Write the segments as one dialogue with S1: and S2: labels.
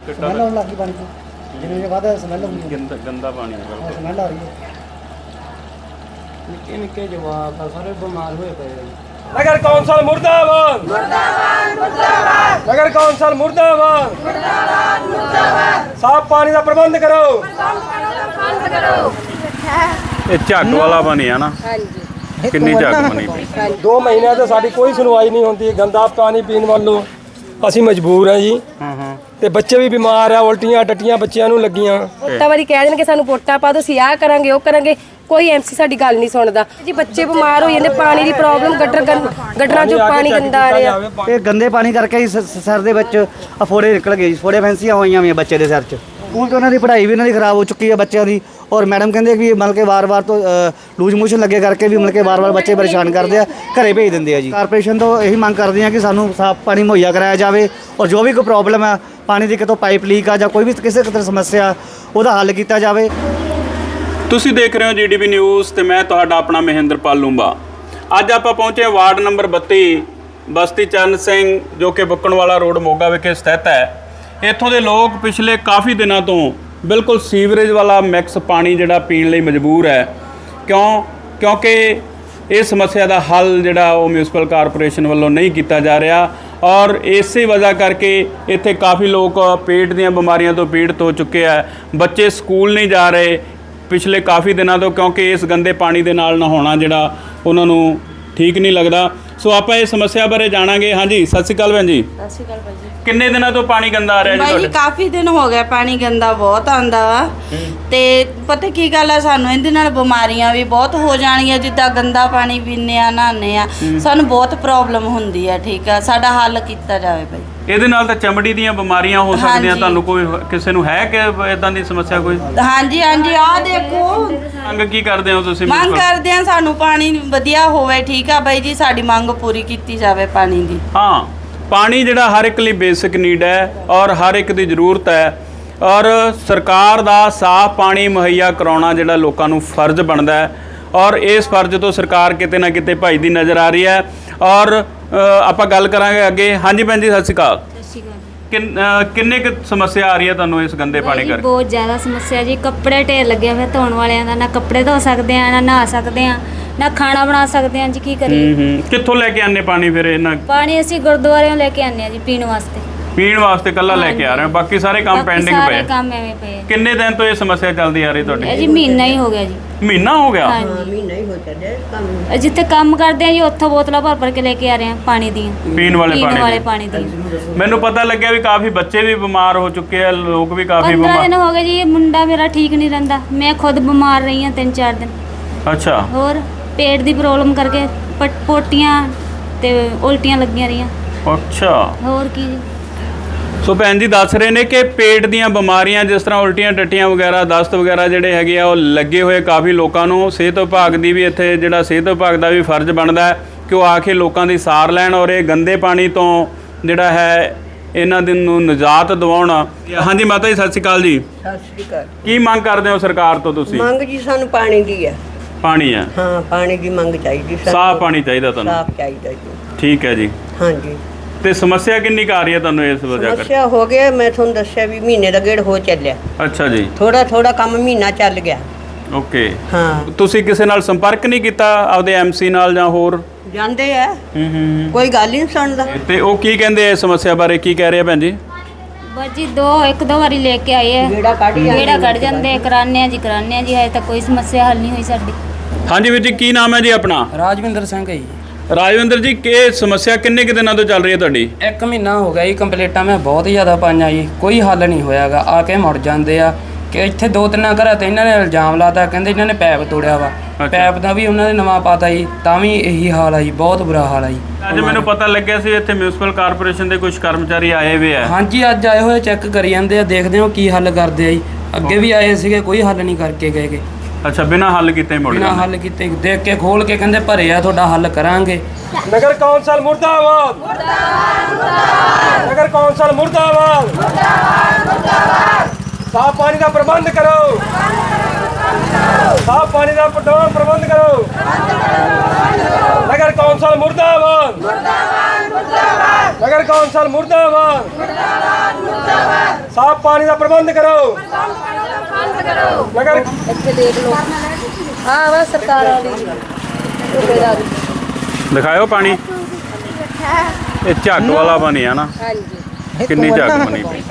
S1: Smell ਆਉਣ ਲੱਗੀ ਪਾਣੀ ਤੋਂ, ਜਿਵੇਂ ਵਾਧਾ ਸਮੈਲ ਆਉਂਦੀ ਹੈ,
S2: ਗੰਦਾ ਪਾਣੀ ਹੈ,
S1: ਸਮੈਲ ਆ ਰਹੀ ਹੈ।
S3: ਨਿੱਕੇ ਨਿੱਕੇ ਜਵਾਕ ਆ ਸਾਰੇ ਬਿਮਾਰ ਹੋਏ ਪਏ ਆ।
S4: नगर कौंसल मुर्दाबाद, मुर्दाबाद, मुर्दाबाद। नगर कौंसल मुर्दाबाद, मुर्दाबाद, मुर्दाबाद। साफ पानी का प्रबंध करो,
S2: ਇਹ ਝੱਗ ਵਾਲਾ ਪਾਣੀ ਆ ਨਾ? ਕਿੰਨੀ ਝੱਗ ਬਣੀ ਪਈ?
S4: 2 ਮਹੀਨੇ ਤੋਂ ਸਾਡੀ ਕੋਈ ਸੁਣਵਾਈ ਨਹੀਂ ਹੁੰਦੀ। ਗੰਦਾ ਪਾਣੀ ਪੀਣ ਵੱਲੋਂ ਅਸੀਂ ਮਜਬੂਰ ਹਾਂ ਜੀ। ਤੇ ਬੱਚੇ ਵੀ ਬਿਮਾਰ ਆ, ਉਲਟੀਆਂ ਟੱਟੀਆਂ ਬੱਚਿਆਂ ਨੂੰ ਲੱਗੀਆਂ।
S5: ਵੋਟਾਂ ਵਾਰੀ ਕਹਿ ਦੇਣਗੇ ਸਾਨੂੰ ਵੋਟਾਂ ਪਾ ਦਿਓ, ਅਸੀਂ ਆਹ ਕਰਾਂਗੇ ਉਹ ਕਰਾਂਗੇ, ਕੋਈ ਐਮਸੀ ਸਾਡੀ ਗੱਲ ਨਹੀਂ ਸੁਣਦਾ ਜੀ। ਬੱਚੇ ਬਿਮਾਰ ਹੋ ਜਾਂਦੇ, ਪਾਣੀ ਦੀ ਪ੍ਰੋਬਲਮ, ਗੱਡਰਾਂ ਚੋਂ ਪਾਣੀ ਗੰਦਾ ਆ ਰਿਹਾ।
S1: ਇਹ ਗੰਦੇ ਪਾਣੀ ਕਰਕੇ ਹੀ ਸਿਰ ਦੇ ਵਿੱਚ ਫੋੜੇ ਨਿਕਲ ਗਏ ਜੀ, ਫੋੜੇ ਫੈਂਸੀਆਂ ਹੋਈਆਂ ਵੀ ਬੱਚੇ ਦੇ ਸਿਰ 'ਚ। ਸਕੂਲ 'ਚ ਉਹਨਾਂ ਦੀ ਪੜ੍ਹਾਈ ਵੀ ਉਹਨਾਂ ਦੀ ਖਰਾਬ ਹੋ ਚੁੱਕੀ ਹੈ ਬੱਚਿਆਂ ਦੀ। ਔਰ ਮੈਡਮ ਕਹਿੰਦੇ ਵੀ ਮਤਲਬ ਕਿ ਵਾਰ-ਵਾਰ ਤੋਂ ਲੂਜ਼ ਮੋਸ਼ਨ ਲੱਗੇ ਕਰਕੇ ਵੀ ਮਤਲਬ ਕਿ ਵਾਰ-ਵਾਰ ਬੱਚੇ ਪਰੇਸ਼ਾਨ ਕਰਦੇ ਆ, ਘਰੇ ਭੇਜ ਦਿੰਦੇ ਆ ਜੀ। ਕਾਰਪੋਰੇਸ਼ਨ ਤੋਂ ਇਹੀ ਮੰਗ ਕਰਦੇ ਆ ਕਿ ਸਾਨੂੰ ਸਾਫ਼ ਪਾਣੀ ਮੁਹੱਈਆ ਕਰਾਇਆ ਜਾਵੇ, ਔਰ ਜੋ ਵੀ ਕੋਈ ਪ੍ਰੋਬਲਮ ਆ ਪਾਣੀ ਦੀ, ਕਿਤੋਂ ਪਾਈਪ ਲੀਕ ਆ ਜਾਂ ਕੋਈ ਵੀ ਕਿਸੇ ਕਿਤੇ ਸਮੱਸਿਆ, ਉਹਦਾ ਹੱਲ ਕੀਤਾ ਜਾਵੇ।
S2: ਤੁਸੀਂ ਦੇਖ ਰਹੇ ਹੋ ਜੀਡੀਪੀ ਨਿਊਜ਼ ਤੇ ਮੈਂ ਤੁਹਾਡਾ ਆਪਣਾ ਮਹਿੰਦਰਪਾਲ ਲੂੰਬਾ। ਅੱਜ ਆਪਾਂ ਪਹੁੰਚੇ ਵਾਰਡ ਨੰਬਰ 32 ਬਸਤੀ ਚਰਨ ਸਿੰਘ, ਜੋ ਕਿ ਬੁੱਕਣਵਾਲਾ ਰੋਡ ਮੋਗਾ ਵਿਖੇ ਸਥਿਤ ਹੈ। ਇੱਥੋਂ ਦੇ ਲੋਕ ਪਿਛਲੇ ਕਾਫੀ ਦਿਨਾਂ ਤੋਂ ਬਿਲਕੁਲ ਸੀਵਰੇਜ ਵਾਲਾ ਮਿਕਸ ਪਾਣੀ ਜਿਹੜਾ ਪੀਣ ਲਈ ਮਜਬੂਰ ਹੈ। ਕਿਉਂਕਿ ਇਹ ਸਮੱਸਿਆ ਦਾ ਹੱਲ ਜਿਹੜਾ ਉਹ ਮਿਊਨਿਸਪਲ ਕਾਰਪੋਰੇਸ਼ਨ ਵੱਲੋਂ ਨਹੀਂ ਕੀਤਾ ਜਾ ਰਿਹਾ, ਔਰ ਇਸੇ ਵਜ੍ਹਾ ਕਰਕੇ ਇੱਥੇ ਕਾਫੀ ਲੋਕ ਪੇਟ ਦੀਆਂ ਬਿਮਾਰੀਆਂ ਤੋਂ ਪੀੜਤ ਹੋ ਚੁੱਕੇ ਆ। ਬੱਚੇ ਸਕੂਲ ਨਹੀਂ ਜਾ ਰਹੇ ਪਿਛਲੇ ਕਾਫੀ ਦਿਨਾਂ ਤੋਂ, ਕਿਉਂਕਿ ਇਸ ਗੰਦੇ ਪਾਣੀ ਦੇ ਨਾਲ ਨਹਾਉਣਾ ਜਿਹੜਾ ਉਹਨਾਂ ਨੂੰ ਠੀਕ ਨਹੀਂ ਲੱਗਦਾ। ਸੋ ਆਪਾਂ ਇਸ ਸਮੱਸਿਆ ਬਾਰੇ ਜਾਣਾਂਗੇ। ਹਾਂਜੀ, ਸਤਿ ਸ਼੍ਰੀ ਅਕਾਲ ਭੈਣ ਜੀ।
S6: ਸਤਿ ਸ਼੍ਰੀ ਅਕਾਲ ਭਾਈ ਜੀ।
S2: ਕਿੰਨੇ ਦਿਨਾਂ ਤੋਂ ਪਾਣੀ ਗੰਦਾ ਆ ਰਿਹਾ ਜੀ
S6: ਭਾਈ ਜੀ? ਕਾਫੀ ਦਿਨ ਹੋ ਗਏ, ਪਾਣੀ ਗੰਦਾ ਬਹੁਤ ਆਂਦਾ ਵਾ। ਤੇ ਪਤਾ ਕੀ ਗੱਲ ਆ, ਸਾਨੂੰ ਇਹਦੇ ਨਾਲ ਬਿਮਾਰੀਆਂ ਵੀ ਬਹੁਤ ਹੋ ਜਾਣੀਆਂ। ਜਿੱਦਾਂ ਗੰਦਾ ਪਾਣੀ ਪੀਂਦੇ ਆ, ਨਹਾਉਂਦੇ ਆ, ਸਾਨੂੰ ਬਹੁਤ ਪ੍ਰੋਬਲਮ ਹੁੰਦੀ ਆ। ਠੀਕ ਆ, ਸਾਡਾ ਹੱਲ ਕੀਤਾ ਜਾਵੇ ਭਾਈ।
S2: ਇਹਦੇ ਨਾਲ ਤਾਂ ਚਮੜੀ ਦੀਆਂ ਬਿਮਾਰੀਆਂ ਹੋ ਸਕਦੀਆਂ। ਤੁਹਾਨੂੰ ਕੋਈ ਕਿਸੇ ਨੂੰ ਹੈ ਕਿ ਇਦਾਂ ਦੀ ਸਮੱਸਿਆ ਕੋਈ?
S6: ਹਾਂਜੀ ਹਾਂਜੀ, ਆਹ ਦੇਖੋ।
S2: ਮੰਗ ਕੀ ਕਰਦੇ ਹੋ ਤੁਸੀਂ?
S6: ਮੰਗ ਕਰਦੇ ਆ ਸਾਨੂੰ ਪਾਣੀ ਵਧੀਆ ਹੋਵੇ। ਠੀਕ ਆ ਬਾਈ ਜੀ, ਸਾਡੀ ਮੰਗ ਪੂਰੀ ਕੀਤੀ ਜਾਵੇ ਪਾਣੀ ਦੀ।
S2: ਹਾਂ, ਪਾਣੀ ਜਿਹੜਾ ਹਰ ਇੱਕ ਲਈ ਬੇਸਿਕ ਨੀਡ ਹੈ ਔਰ ਹਰ ਇੱਕ ਦੀ ਜ਼ਰੂਰਤ ਹੈ, ਔਰ ਸਰਕਾਰ ਦਾ ਸਾਫ਼ ਪਾਣੀ ਮੁਹੱਈਆ ਕਰਾਉਣਾ ਜਿਹੜਾ ਲੋਕਾਂ ਨੂੰ ਫਰਜ਼ ਬਣਦਾ ਹੈ, ਔਰ ਇਸ ਫਰਜ਼ ਤੋਂ ਸਰਕਾਰ ਕਿਤੇ ਨਾ ਕਿਤੇ ਭੱਜਦੀ ਨਜ਼ਰ ਆ ਰਹੀ ਹੈ। ਔਰ ਆਪਾਂ ਗੱਲ ਕਰਾਂਗੇ ਅੱਗੇ। ਹਾਂਜੀ ਭੈਣ ਜੀ, ਸਤਿ ਸ਼੍ਰੀ ਅਕਾਲ। ਕਿੰਨੇ ਕੁ ਸਮੱਸਿਆ ਆ ਰਹੀ ਹੈ ਤੁਹਾਨੂੰ ਇਸ ਗੰਦੇ ਪਾਣੀ ਕਰਕੇ?
S7: ਬਹੁਤ ਜ਼ਿਆਦਾ ਸਮੱਸਿਆ ਜੀ। ਕੱਪੜੇ ਢੇਰ ਲੱਗੇ ਹੋਏ ਧੋਣ ਵਾਲਿਆਂ ਦਾ, ਨਾ ਕੱਪੜੇ ਧੋ ਸਕਦੇ ਆ, ਨਾ ਨਹਾ ਸਕਦੇ ਆ, ਨਾ ਖਾਣਾ ਬਣਾ ਸਕਦੇ ਆ ਜੀ। ਕੀ ਕਰੀਏ?
S2: ਕਿੱਥੋਂ ਲੈ ਕੇ ਆਨੇ ਪਾਣੀ ਫਿਰ? ਇਹਨਾਂ
S7: ਪਾਣੀ ਅਸੀਂ ਗੁਰਦੁਆਰਿਓਂ ਲੈ ਕੇ ਆਨੇ ਆ ਜੀ, ਪੀਣ ਵਾਸਤੇ।
S2: ਪੀਣ ਵਾਸਤੇ ਕੱਲਾ ਲੈ ਕੇ ਆ ਰਹੇ ਹੋ, ਬਾਕੀ ਸਾਰੇ ਕੰਮ ਪੈਂਡਿੰਗ ਪਏ?
S7: ਸਾਰੇ ਕੰਮ ਐਵੇਂ ਪਏ।
S2: ਕਿੰਨੇ ਦਿਨ ਤੋਂ ਇਹ ਸਮੱਸਿਆ ਚੱਲਦੀ ਆ ਰਹੀ ਤੁਹਾਡੀ?
S7: ਜੀ ਮਹੀਨਾ ਹੀ ਹੋ ਗਿਆ ਜੀ।
S2: ਮਹੀਨਾ ਹੋ ਗਿਆ?
S6: ਮਹੀਨਾ ਹੀ ਹੋ ਚੱਲਿਆ ਕੰਮ।
S7: ਜਿੱਥੇ ਕੰਮ ਕਰਦੇ ਆ ਜੀ, ਉੱਥੋਂ ਬੋਤਲਾਂ ਭਰ ਕੇ ਲੈ ਕੇ ਆ ਰਹੇ ਆ ਪਾਣੀ ਦੀਆਂ,
S2: ਪੀਣ ਵਾਲੇ
S7: ਪਾਣੀ ਦੀ।
S2: ਮੈਨੂੰ ਪਤਾ ਲੱਗਿਆ ਵੀ ਕਾਫੀ ਬੱਚੇ ਵੀ ਬਿਮਾਰ ਹੋ ਚੁੱਕੇ ਆ, ਲੋਕ ਵੀ ਕਾਫੀ
S7: 15 ਦਿਨ ਹੋ ਗਏ ਜੀ। ਮੁੰਡਾ ਮੇਰਾ ਠੀਕ ਨਹੀਂ ਰਹਿੰਦਾ, ਮੈਂ ਖੁਦ ਬਿਮਾਰ ਰਹੀ ਹਾਂ 3-4 ਦਿਨ।
S2: ਅੱਛਾ।
S7: ਹੋਰ ਪੇਟ ਦੀ ਪ੍ਰੋਬਲਮ ਕਰਕੇ ਪੋਟੀਆਂ ਤੇ ਉਲਟੀਆਂ ਲੱਗੀਆਂ ਰਹੀਆਂ।
S2: ਅੱਛਾ।
S7: ਹੋਰ ਕੀ ਜੀ।
S2: ਸੋ ਭੈਣ ਜੀ ਦੱਸ ਰਹੇ ਨੇ ਕਿ ਪੇਟ ਦੀਆਂ ਬਿਮਾਰੀਆਂ ਜਿਸ ਤਰ੍ਹਾਂ ਉਲਟੀਆਂ ਟੱਟੀਆਂ ਵਗੈਰਾ, ਦਸਤ ਵਗੈਰਾ ਜਿਹੜੇ ਹੈਗੇ ਆ ਉਹ ਲੱਗੇ ਹੋਏ ਕਾਫੀ ਲੋਕਾਂ ਨੂੰ। ਸਿਹਤ ਵਿਭਾਗ ਦੀ ਵੀ ਇੱਥੇ ਜਿਹੜਾ ਸਿਹਤ ਵਿਭਾਗ ਦਾ ਵੀ ਫਰਜ਼ ਬਣਦਾ ਹੈ ਕਿ ਉਹ ਆ ਕੇ ਲੋਕਾਂ ਦੀ ਸਾਰ ਲੈਣ ਔਰ ਇਹ ਗੰਦੇ ਪਾਣੀ ਤੋਂ ਜਿਹੜਾ ਹੈ ਇਹਨਾਂ ਨੂੰ ਨਿਜਾਤ ਦਿਵਾਉਣ। ਹਾਂਜੀ ਮਾਤਾ ਜੀ, ਸਤਿ ਸ਼੍ਰੀ ਅਕਾਲ ਜੀ।
S8: ਸਤਿ ਸ਼੍ਰੀ ਅਕਾਲ।
S2: ਕੀ ਮੰਗ ਕਰਦੇ ਹੋ ਸਰਕਾਰ ਤੋਂ ਤੁਸੀਂ?
S8: ਮੰਗ ਜੀ ਸਾਨੂੰ ਪਾਣੀ ਦੀ ਹੈ।
S2: ਪਾਣੀ ਹੈ?
S8: ਹਾਂ, ਪਾਣੀ ਦੀ ਮੰਗ ਚਾਹੀਦੀ।
S2: ਸਾਫ਼ ਪਾਣੀ ਚਾਹੀਦਾ ਤੁਹਾਨੂੰ?
S8: ਸਾਫ਼ ਚਾਹੀਦਾ ਜੀ।
S2: ਠੀਕ ਹੈ ਜੀ।
S8: ਹਾਂਜੀ।
S2: ਤੇ ਸਮੱਸਿਆ ਕਿੰਨੀ ਕੁ ਆ ਰਹੀ ਹੈ ਤੁਹਾਨੂੰ ਇਸ ਵਜ੍ਹਾ ਕਰਕੇ?
S8: ਸਮੱਸਿਆ ਹੋ ਗਿਆ, ਮੈਂ ਤੁਹਾਨੂੰ ਦੱਸਿਆ ਵੀ ਮਹੀਨੇ ਦਾ ਗੇੜ ਹੋ ਚੱਲਿਆ।
S2: ਅੱਛਾ ਜੀ।
S8: ਥੋੜਾ ਕੰਮ ਮਹੀਨਾ ਚੱਲ ਗਿਆ।
S2: ਓਕੇ।
S8: ਹਾਂ।
S2: ਤੁਸੀਂ ਕਿਸੇ ਨਾਲ ਸੰਪਰਕ ਨਹੀਂ ਕੀਤਾ ਆਪਦੇ ਐਮਸੀ ਨਾਲ ਜਾਂ ਹੋਰ?
S8: ਜਾਂਦੇ ਆ, ਕੋਈ ਗੱਲ ਹੀ ਨਹੀਂ ਸੁਣਦਾ।
S2: ਤੇ ਉਹ ਕੀ ਕਹਿੰਦੇ ਇਸ ਸਮੱਸਿਆ ਬਾਰੇ, ਕੀ ਕਹਿ ਰਹੇ ਆ ਭੈਣ ਜੀ?
S7: ਬਸ ਜੀ ਇੱਕ ਦੋ ਵਾਰੀ ਲੈ ਕੇ ਆਏ ਆ, ਗੇੜਾ ਕੱਢ ਜਾਂਦੇ। ਕਰਾਨੇ ਆ ਜੀ ਹਜੇ ਤੱਕ ਕੋਈ ਸਮੱਸਿਆ ਹੱਲ ਨਹੀਂ ਹੋਈ ਸਾਡੀ।
S2: ਹਾਂਜੀ ਵੀਰ ਜੀ, ਕੀ ਨਾਮ ਹੈ ਜੀ ਆਪਣਾ?
S3: ਰਾਜਵਿੰਦਰ ਸਿੰਘ ਹੈ ਜੀ।
S2: ਰਾਜਵਿੰਦਰ ਜੀ, ਕੀ ਸਮੱਸਿਆ ਕਿੰਨੇ ਕੁ ਦਿਨਾਂ ਤੋਂ ਚੱਲ ਰਹੀ ਹੈ ਤੁਹਾਡੀ?
S3: 1 ਮਹੀਨਾ ਹੋ ਗਿਆ ਜੀ। ਕੰਪਲੀਟਾਂ ਮੈਂ ਬਹੁਤ ਜ਼ਿਆਦਾ ਪਾਈਆਂ ਜੀ, ਕੋਈ ਹੱਲ ਨਹੀਂ ਹੋਇਆਗਾ। ਆ ਕੇ ਮੁੜ ਜਾਂਦੇ ਆ ਕਿ ਇੱਥੇ 2-3 ਘਰਾਂ ਤੇ ਇਹਨਾਂ ਨੇ ਇਲਜ਼ਾਮ ਲਾਤਾ, ਕਹਿੰਦੇ ਇਹਨਾਂ ਨੇ ਪੈਪ ਤੋੜਿਆ ਵਾ। ਪੈਪ ਦਾ ਵੀ ਉਹਨਾਂ ਨੇ ਨਵਾਂ ਪਾਤਾ ਜੀ, ਤਾਂ ਵੀ ਇਹੀ ਹਾਲ ਆ ਜੀ, ਬਹੁਤ ਬੁਰਾ ਹਾਲ ਆ ਜੀ।
S2: ਅੱਜ ਮੈਨੂੰ ਪਤਾ ਲੱਗਿਆ ਸੀ ਇੱਥੇ ਮਿਊਨਿਸਪਲ ਕਾਰਪੋਰੇਸ਼ਨ ਦੇ ਕੁਝ ਕਰਮਚਾਰੀ ਆਏ ਹੋਏ ਆ।
S3: ਹਾਂਜੀ, ਅੱਜ ਆਏ ਹੋਏ, ਚੈੱਕ ਕਰੀ ਜਾਂਦੇ ਆ, ਦੇਖਦੇ ਹਾਂ ਕੀ ਹੱਲ ਕਰਦੇ ਆ ਜੀ। ਅੱਗੇ ਵੀ ਆਏ ਸੀਗੇ, ਕੋਈ ਹੱਲ ਨਹੀਂ ਕਰਕੇ ਗਏਗੇ।
S2: ਅੱਛਾ, ਬਿਨਾਂ ਹੱਲ ਕੀਤੇ ਮੁੜ
S3: ਬਿਨਾਂ ਹੱਲ ਕੀਤੇ ਦੇਖ ਕੇ ਖੋਲ ਕੇ ਕਹਿੰਦੇ ਭਰੇ ਆ, ਤੁਹਾਡਾ ਹੱਲ ਕਰਾਂਗੇ।
S4: नगर कौंसल मुर्दाबाद, मुर्दाबाद, मुर्दाबाद। नगर कौंसल मुर्दाबाद, मुर्दाबाद, मुर्दाबाद। साफ पानी का प्रबंध करो, साफ पानी का प्रबंध करो। नगर कौंसल मुर्दाबाद, मुर्दाबाद। ਨਗਰ ਕੌਂਸਲ ਮੁਰਦਾਬਾਦ ਸਾਫ ਪਾਣੀ ਦਾ ਪ੍ਰਬੰਧ ਕਰੋ ਨਗਰ
S5: ਇੱਥੇ ਦੇਖ ਲਓ ਹਾਂ ਵਾ ਸਰਕਾਰਾਂ ਦੀ ਜ਼ਿੰਮੇਵਾਰੀ।
S2: ਦਿਖਾਇਓ ਪਾਣੀ। ਇਹ ਝੱਗ ਵਾਲਾ ਪਾਣੀ ਆ ਨਾ,
S5: ਹਾਂਜੀ
S2: ਕਿੰਨੀ ਝੱਗ ਬਣੀ ਪਈ।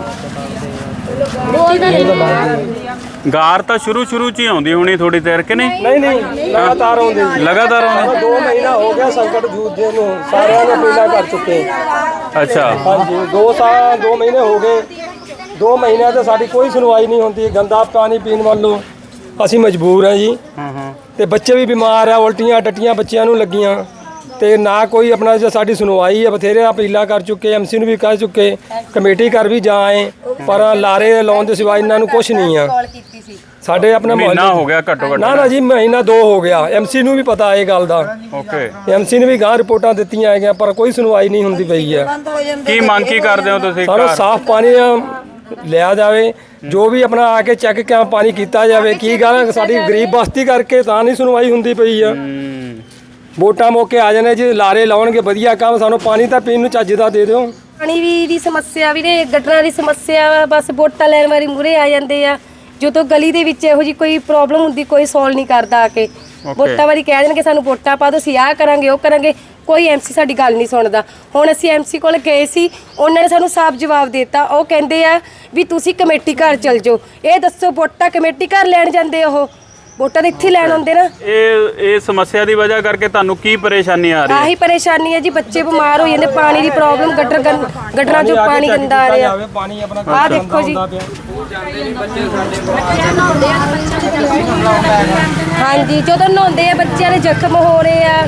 S2: ਗਾਰ ਤਾਂ ਸ਼ੁਰੂ ਚ ਹੀ ਆਉਂਦੀ ਹੋਣੀ ਥੋੜੀ ਦੇਰ ਕਿ ਨਹੀਂ?
S4: ਨਹੀਂ ਲਗਾਤਾਰ ਆਉਂਦੀ
S2: ਲਗਾਤਾਰ ਆਉਂਦੀ।
S4: 2 ਮਹੀਨਾ ਹੋ ਗਿਆ ਸੰਕਟ ਜੂਝਦੇ ਨੂੰ, ਸਾਰਿਆਂ ਨੇ ਪੀਲਾ ਕਰ ਚੁੱਕੇ।
S2: ਅੱਛਾ,
S4: ਹਾਂਜੀ 2 ਮਹੀਨੇ ਹੋ ਗਏ। 2 ਮਹੀਨਿਆਂ ਤੇ ਸਾਡੀ ਕੋਈ ਸੁਣਵਾਈ ਨਹੀਂ ਹੁੰਦੀ। ਗੰਦਾ ਪਾਣੀ ਪੀਣ ਵੱਲੋਂ ਅਸੀਂ ਮਜਬੂਰ ਹਾਂ ਜੀ। ਤੇ ਬੱਚੇ ਵੀ ਬਿਮਾਰ ਆ, ਉਲਟੀਆਂ ਟੱਟੀਆਂ ਬੱਚਿਆਂ ਨੂੰ ਲੱਗੀਆਂ ਤੇ ਨਾ ਕੋਈ ਆਪਣਾ ਜੋ ਸਾਡੀ ਸੁਣਵਾਈ ਹੈ। ਬਥੇਰੇ ਅਪੀਲਾਂ ਕਰ ਚੁੱਕੇ, ਐਮਸੀ ਨੂੰ ਵੀ ਕਰ ਚੁੱਕੇ, ਕਮੇਟੀ ਘਰ ਵੀ ਜਾ ਆਏ, ਪਰ ਲਾਰੇ ਲਾਉਣ ਦੇ ਸਿਵਾ ਇਹਨਾਂ ਨੂੰ ਕੁਝ ਨਹੀਂ ਆ। ਸਾਡੇ ਆਪਣੇ
S2: ਮਹੀਨਾ ਹੋ ਗਿਆ ਘੱਟੋ ਘੱਟ।
S4: ਨਾ ਜੀ ਮਹੀਨਾ 2 ਹੋ ਗਿਆ। ਐਮਸੀ ਨੂੰ ਵੀ ਪਤਾ ਇਹ ਗੱਲ ਦਾ।
S2: ਓਕੇ,
S4: ਐਮਸੀ ਨੇ ਵੀ ਗਾਂ ਰਿਪੋਰਟਾਂ ਦਿੱਤੀਆਂ ਹੈਗੀਆਂ, ਪਰ ਕੋਈ ਸੁਣਵਾਈ ਨਹੀਂ ਹੁੰਦੀ ਪਈ ਹੈ।
S2: ਕੀ ਮੰਗ ਕੀ ਕਰਦੇ ਹੋ ਤੁਸੀਂ?
S4: ਸਾਨੂੰ ਸਾਫ਼ ਪਾਣੀ ਲਿਆ ਜਾਵੇ, ਜੋ ਵੀ ਆਪਣਾ ਆ ਕੇ ਚੈੱਕ ਕਿਆ ਪਾਣੀ ਕੀਤਾ ਜਾਵੇ। ਕੀ ਗੱਲ ਸਾਡੀ ਗਰੀਬ ਬਸਤੀ ਕਰਕੇ ਤਾਂ ਨਹੀਂ ਸੁਣਵਾਈ ਹੁੰਦੀ ਪਈ ਆ। ਵੋਟਾਂ ਮੌਕੇ ਆ ਜਾਣੇ ਜੀ, ਲਾਰੇ ਲਾਉਣਗੇ ਵਧੀਆ ਕੰਮ, ਸਾਨੂੰ ਪਾਣੀ ਤਾਂ ਪੀਣ ਨੂੰ ਚੱਜ ਦਾ ਦੇ ਦਿਓ।
S5: ਪਾਣੀ ਦੀ ਸਮੱਸਿਆ ਵੀ ਨੇ, ਗਟਰਾਂ ਦੀ ਸਮੱਸਿਆ ਵਾ, ਬਸ ਵੋਟਾਂ ਲੈਣ ਵਾਰੀ ਮੂਹਰੇ ਆ ਜਾਂਦੇ ਆ। ਜਦੋਂ ਗਲੀ ਦੇ ਵਿੱਚ ਇਹੋ ਜੀ ਕੋਈ ਪ੍ਰੋਬਲਮ ਹੁੰਦੀ ਕੋਈ ਸੋਲਵ ਨਹੀਂ ਕਰਦਾ ਆ ਕੇ। ਵੋਟਾਂ ਵਾਰੀ ਕਹਿ ਦੇਣਗੇ ਸਾਨੂੰ ਵੋਟਾਂ ਪਾ ਦਿਓ, ਅਸੀਂ ਆਹ ਕਰਾਂਗੇ ਉਹ ਕਰਾਂਗੇ, ਕੋਈ ਐਮਸੀ ਸਾਡੀ ਗੱਲ ਨਹੀਂ ਸੁਣਦਾ। ਹੁਣ ਅਸੀਂ ਐਮਸੀ ਕੋਲ ਗਏ ਸੀ, ਉਹਨਾਂ ਨੇ ਸਾਨੂੰ ਸਾਫ਼ ਜਵਾਬ ਦਿੱਤਾ। ਉਹ ਕਹਿੰਦੇ ਆ ਵੀ ਤੁਸੀਂ ਕਮੇਟੀ ਘਰ ਚਲ ਜਾਓ। ਇਹ ਦੱਸੋ ਵੋਟਾਂ ਕਮੇਟੀ ਘਰ ਲੈਣ ਜਾਂਦੇ? ਉਹ ਵੋਟਾਂ ਤਾਂ ਇੱਥੇ ਲੈਣ ਆਉਂਦੇ ਨਾ।
S2: ਇਹ ਸਮੱਸਿਆ ਦੀ ਵਜ੍ਹਾ ਕਰਕੇ ਤੁਹਾਨੂੰ ਕੀ ਪਰੇਸ਼ਾਨੀ ਆ ਰਹੀ ਹੈ?
S5: ਆਹੀ ਪਰੇਸ਼ਾਨੀ ਹੈ ਜੀ, ਬੱਚੇ ਬਿਮਾਰ ਹੋ ਜਾਂਦੇ, ਪਾਣੀ ਦੀ ਪ੍ਰੋਬਲਮ, ਗਟਰਾਂ ਚੋਂ ਪਾਣੀ ਗੰਦਾ ਆ ਰਿਹਾ। ਆਹ ਦੇਖੋ ਜੀ, ਹਾਂਜੀ ਜਦੋਂ ਨਹਾਉਂਦੇ ਆ ਬੱਚਿਆਂ ਦੇ ਜ਼ਖਮ ਹੋ ਰਹੇ ਆ।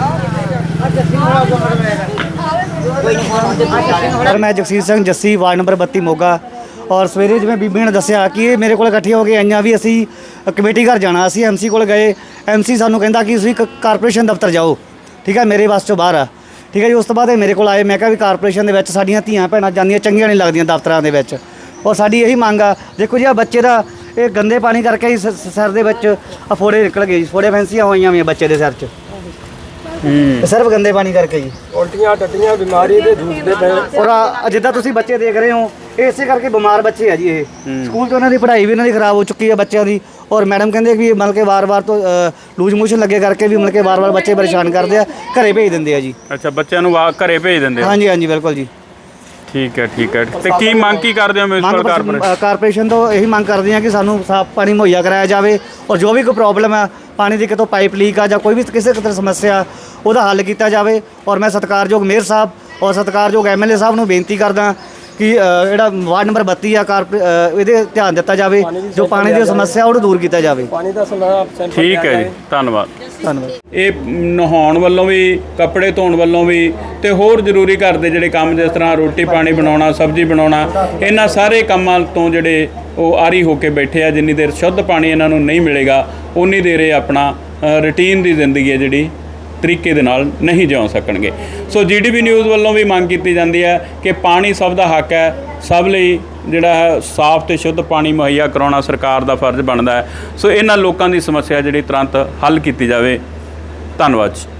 S1: ਸਰ ਮੈਂ ਜਗਸੀਰ ਸਿੰਘ ਜੱਸੀ, ਵਾਰਡ ਨੰਬਰ 32 ਮੋਗਾ। ਔਰ ਸਵੇਰੇ ਜਿਵੇਂ ਬੀਬੀ ਨੇ ਦੱਸਿਆ ਕਿ ਇਹ ਮੇਰੇ ਕੋਲ ਇਕੱਠੀਆਂ ਹੋ ਕੇ ਆਈਆਂ ਵੀ ਅਸੀਂ ਕਮੇਟੀ ਘਰ ਜਾਣਾ। ਅਸੀਂ ਐਮਸੀ ਕੋਲ ਗਏ, ਐਮਸੀ ਸਾਨੂੰ ਕਹਿੰਦਾ ਕਿ ਤੁਸੀਂ ਕਾਰਪੋਰੇਸ਼ਨ ਦਫ਼ਤਰ ਜਾਓ। ਠੀਕ ਹੈ, ਮੇਰੇ ਵਾਸ ਚੋਂ ਬਾਹਰ ਆ। ਠੀਕ ਹੈ ਜੀ, ਉਸ ਤੋਂ ਬਾਅਦ ਇਹ ਮੇਰੇ ਕੋਲ ਆਏ। ਮੈਂ ਕਿਹਾ ਵੀ ਕਾਰਪੋਰੇਸ਼ਨ ਦੇ ਵਿੱਚ ਸਾਡੀਆਂ ਧੀਆਂ ਭੈਣਾਂ ਜਾਂਦੀਆਂ ਚੰਗੀਆਂ ਨਹੀਂ ਲੱਗਦੀਆਂ ਦਫ਼ਤਰਾਂ ਦੇ ਵਿੱਚ। ਔਰ ਸਾਡੀ ਇਹੀ ਮੰਗ ਆ, ਦੇਖੋ ਜੀ ਆ ਬੱਚੇ ਦਾ ਇਹ ਗੰਦੇ ਪਾਣੀ ਕਰਕੇ ਹੀ ਸਿਰ ਦੇ ਵਿੱਚ ਫੋੜੇ ਨਿਕਲ ਗਏ ਜੀ, ਫੋੜੇ ਫੈਂਸੀਆਂ ਹੋਈਆਂ ਵੀਆਂ ਬੱਚੇ ਦੇ ਸਿਰ 'ਚ। ਸਿਰਫ ਗੰਦੇ ਪਾਣੀ ਕਰਕੇ ਜੀ
S4: ਉਲਟੀਆਂ ਟੱਟੀਆਂ ਬਿਮਾਰੀ ਦੇ ਜੂਝਦੇ ਪਏ।
S1: ਔਰ ਜਿੱਦਾਂ ਤੁਸੀਂ ਬੱਚੇ ਦੇਖ ਰਹੇ ਹੋ, ਇਸੇ ਕਰਕੇ ਬਿਮਾਰ ਬੱਚੇ ਆ ਜੀ। ਇਹ ਸਕੂਲ 'ਚ ਉਹਨਾਂ ਦੀ ਪੜ੍ਹਾਈ ਵੀ ਇਹਨਾਂ ਦੀ ਖਰਾਬ ਹੋ ਚੁੱਕੀ ਹੈ ਬੱਚਿਆਂ ਦੀ। ਔਰ ਮੈਡਮ ਕਹਿੰਦੇ ਕਿ ਮਤਲਬ ਕਿ ਵਾਰ-ਵਾਰ ਤੋਂ ਲੂਜ਼ ਮੋਸ਼ਨ ਲੱਗੇ ਕਰਕੇ ਵੀ ਮਤਲਬ ਕਿ ਵਾਰ-ਵਾਰ ਬੱਚੇ ਪਰੇਸ਼ਾਨ ਕਰਦੇ ਆ, ਘਰੇ ਭੇਜ ਦਿੰਦੇ ਆ ਜੀ।
S2: ਅੱਛਾ, ਬੱਚਿਆਂ ਨੂੰ ਘਰੇ ਭੇਜ ਦਿੰਦੇ ਆ?
S1: ਹਾਂਜੀ ਹਾਂਜੀ ਬਿਲਕੁਲ ਜੀ।
S2: ਠੀਕ ਹੈ ਤੇ ਕੀ ਮੰਗ ਕੀ ਕਰਦੇ ਹੋ ਮਿਊਨਿਸਪਲ
S1: ਕਾਰਪੋਰੇਸ਼ਨ ਤੋਂ? ਇਹੀ ਮੰਗ ਕਰਦੇ ਆ ਕਿ ਸਾਨੂੰ ਸਾਫ਼ ਪਾਣੀ ਮੁਹੱਈਆ ਕਰਾਇਆ ਜਾਵੇ। ਔਰ ਜੋ ਵੀ ਕੋਈ ਪ੍ਰੋਬਲਮ ਹੈ, ਪਾਣੀ ਦੀ ਕਿਤੋਂ ਪਾਈਪ ਲੀਕ ਆ ਜਾਂ ਕੋਈ ਵੀ ਕਿਸੇ ਕਿਤੇ ਸਮੱਸਿਆ, ਉਹਦਾ ਹੱਲ ਕੀਤਾ ਜਾਵੇ। ਔਰ ਮੈਂ ਸਤਿਕਾਰਯੋਗ ਮੇਅਰ ਸਾਹਿਬ ਔਰ ਸਤਿਕਾਰਯੋਗ ਐਮਐਲਏ ਸਾਹਿਬ ਨੂੰ ਬੇਨਤੀ ਕਰਦਾ ਕਿ ਜਿਹੜਾ ਵਾਰਡ ਨੰਬਰ 32 ਆ ਇਹਦੇ ਧਿਆਨ ਦਿੱਤਾ ਜਾਵੇ, ਜੋ ਪਾਣੀ ਦੀ ਸਮੱਸਿਆ ਉਹਨੂੰ ਦੂਰ ਕੀਤਾ ਜਾਵੇ।
S4: ਪਾਣੀ ਦਾ
S2: ਠੀਕ ਹੈ ਜੀ, ਧੰਨਵਾਦ।
S1: ਧੰਨਵਾਦ।
S2: ਇਹ ਨਹਾਉਣ ਵੱਲੋਂ ਵੀ, ਕੱਪੜੇ ਧੋਣ ਵੱਲੋਂ ਵੀ ਤੇ ਹੋਰ ਜ਼ਰੂਰੀ ਘਰ ਦੇ ਜਿਹੜੇ ਕੰਮ, ਜਿਸ ਤਰ੍ਹਾਂ ਰੋਟੀ ਪਾਣੀ ਬਣਾਉਣਾ, ਸਬਜ਼ੀ ਬਣਾਉਣਾ, ਇਹਨਾਂ ਸਾਰੇ ਕੰਮਾਂ ਤੋਂ ਜਿਹੜੇ ਉਹ ਆਰੀ ਹੋ ਕੇ ਬੈਠੇ ਆ। ਜਿੰਨੀ ਦੇਰ ਸ਼ੁੱਧ ਪਾਣੀ ਇਹਨਾਂ ਨੂੰ ਨਹੀਂ ਮਿਲੇਗਾ, ਉਨੀ ਦੇਰ ਇਹ ਆਪਣਾ ਰੂਟੀਨ ਦੀ ਜ਼ਿੰਦਗੀ ਹੈ ਜਿਹੜੀ ਤਰੀਕੇ ਦੇ ਨਾਲ ਨਹੀਂ ਜਿਉ ਸਕਣਗੇ। ਸੋ ਜੀਡੀਪੀ ਨਿਊਜ਼ ਵੱਲੋਂ ਵੀ ਮੰਗ ਕੀਤੀ ਜਾਂਦੀ ਹੈ ਕਿ ਪਾਣੀ ਸਭ ਦਾ ਹੱਕ ਹੈ, ਸਭ ਲਈ ਜਿਹੜਾ ਹੈ ਸਾਫ਼ ਤੇ ਸ਼ੁੱਧ ਪਾਣੀ ਮੁਹੱਈਆ ਕਰਾਉਣਾ ਸਰਕਾਰ ਦਾ ਫਰਜ਼ ਬਣਦਾ ਹੈ। ਸੋ ਇਹਨਾਂ ਲੋਕਾਂ ਦੀ ਸਮੱਸਿਆ ਜਿਹੜੀ ਤੁਰੰਤ ਹੱਲ ਕੀਤੀ ਜਾਵੇ। ਧੰਨਵਾਦ ਜੀ।